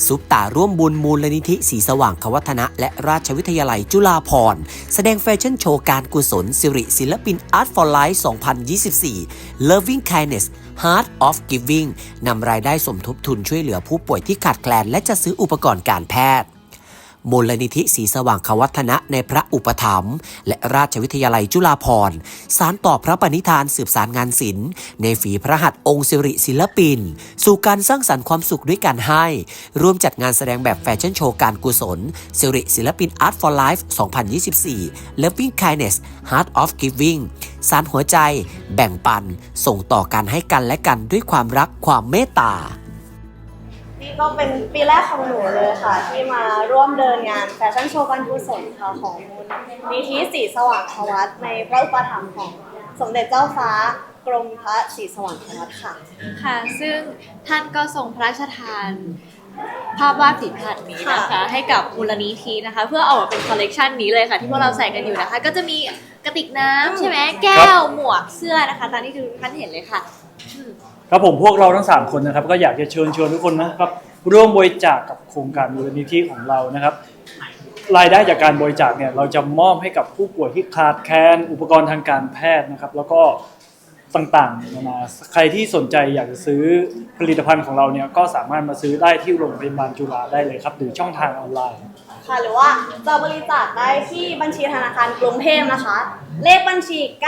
ซุปตาร่วมบุญมูลนิธิศรีสว่างควัฒนะและราชวิทยาลัยจุฬาภรณ์แสดงแฟชั่นโชว์การกุศลสิริศิลปิน Art for Life 2024 Loving Kindness Heart of Giving นำรายได้สมทบทุนช่วยเหลือผู้ป่วยที่ขาดแคลนและจะซื้ออุปกรณ์การแพทย์มูลนิธิศรีสว่างควัฒนะในพระอุปถัมภ์และราชวิทยาลัยจุฬาภรณ์สานต่อพระปณิธานสืบสานงานศิลป์ในฝีพระหัตถ์องค์สิริศิลปินสู่การสร้างสรรค์ความสุขด้วยการให้ร่วมจัดงานแสดงแบบแฟชั่นโชว์การกุศลสิริศิลปิน Art for Life 2024 Loving Kindness Heart of Giving สานหัวใจแบ่งปันส่งต่อการให้กันและกันด้วยความรักความเมตตานี่ก็เป็นปีแรกของหนูเลยค่ะที่มาร่วมเดินงานแฟชั่นโชว์การกุศลค่ะของมูลนิธิศรีสว่างควัฒน์ในพระอุปถัมภ์ของสมเด็จเจ้าฟ้ากรมพระศรีสว่างควัฒน์ค่ะค่ะซึ่งท่านก็ทรงพระราชทานภาพวาดฝีพระหัตถ์นี้นะคะให้กับมูลนิธินะคะเพื่อออกมาเป็นคอลเลกชันนี้เลยค่ะที่พวกเราใส่กันอยู่นะคะก็จะมีกระติกน้ำใช่ไหมแก้วหมวกเสื้อนะคะตามที่ทุกท่านเห็นเลยค่ะครับผมพวกเราทั้ง3คนนะครับก็อยากจะเชิญชวนทุกคนนะครับร่วมบริจาคกับโครงการมูลนิธิของเรานะครับรายได้จากการบริจาคเนี่ยเราจะมอบให้กับผู้ป่วยที่ขาดแคลนอุปกรณ์ทางการแพทย์นะครับแล้วก็ต่างๆนานาใครที่สนใจอยากจะซื้อผลิตภัณฑ์ของเราเนี่ยก็สามารถมาซื้อได้ที่โรงพยาบาลจุฬาได้เลยครับหรือช่องทางออนไลน์ค่ะหรือว่าจะบริจาคได้ที่บัญชีธนาคารกรุงเทพนะคะเลขบัญชี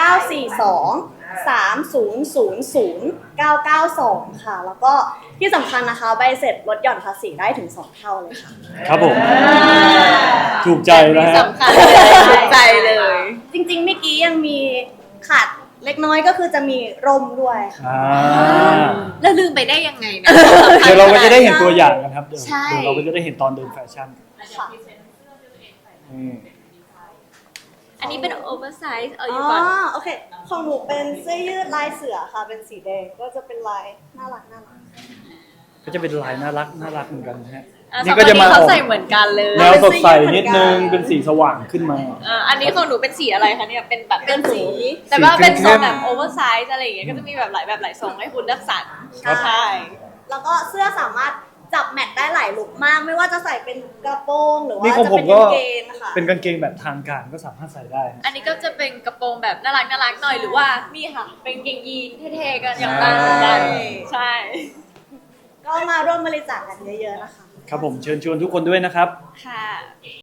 942-3000-992 ค่ะแล้วก็ที่สำคัญนะคะใบเสร็จลดหย่อนภาษีได้ถึง2 เท่าเลยค่ะครับผมถูกใจนะฮะสำคัญเลยถูกใจเลยจริงๆเมื่อกี้ยังมีขาดเล็กน้อยก็คือจะมีร่มด้วยแล้วลืมไปได้ยังไงนะเดี๋ยวเราก็จะได้เห็นตัวอย่างกันครับเดี๋ยวเราก็จะได้เห็นตอนเดินแฟชั่นอันนี้เป็นโอเวอร์ไซส์อยู่ก่อนโอเคของหนูเป็นเสื้อยืดลายเสือค่ะเป็นสีแดงก็จะเป็นลายน่ารักก็จะเป็นลายน่ารักเหมือนกันฮะนี่ก็จะมาใส่เหมือนกันเลยแนวสดใสนิดนึงเป็นสีสว่างขึ้นมาอันนี้ของหนูเป็นสีอะไรคะเนี่ยเป็นแบบเป็นสีแต่ว่าเป็นทรงแบบโอเวอร์ไซส์อะไรอย่างเงี้ยก็จะมีแบบหลายทรงให้คุณเลือกสรรใช่แล้วก็เสื้อสามารถจับแมทได้หลายลุคมากไม่ว่าจะใส่เป็นกระโปรงหรือว่าจะเป็นกางเกงค่ะเป็นกางเกงแบบทางการก็สามารถใส่ได้อันนี้ก็จะเป็นกระโปรงแบบน่ารักหน่อยหรือว่านี่ค่ะเป็นกางเกงยีนเท่ๆกันอย่างนั้นเหมือนกันใช่ก็มาร่วมบริจาคกันเยอะๆนะคะครับผมเชิญชวนทุกคนด้วยนะครับค่ะ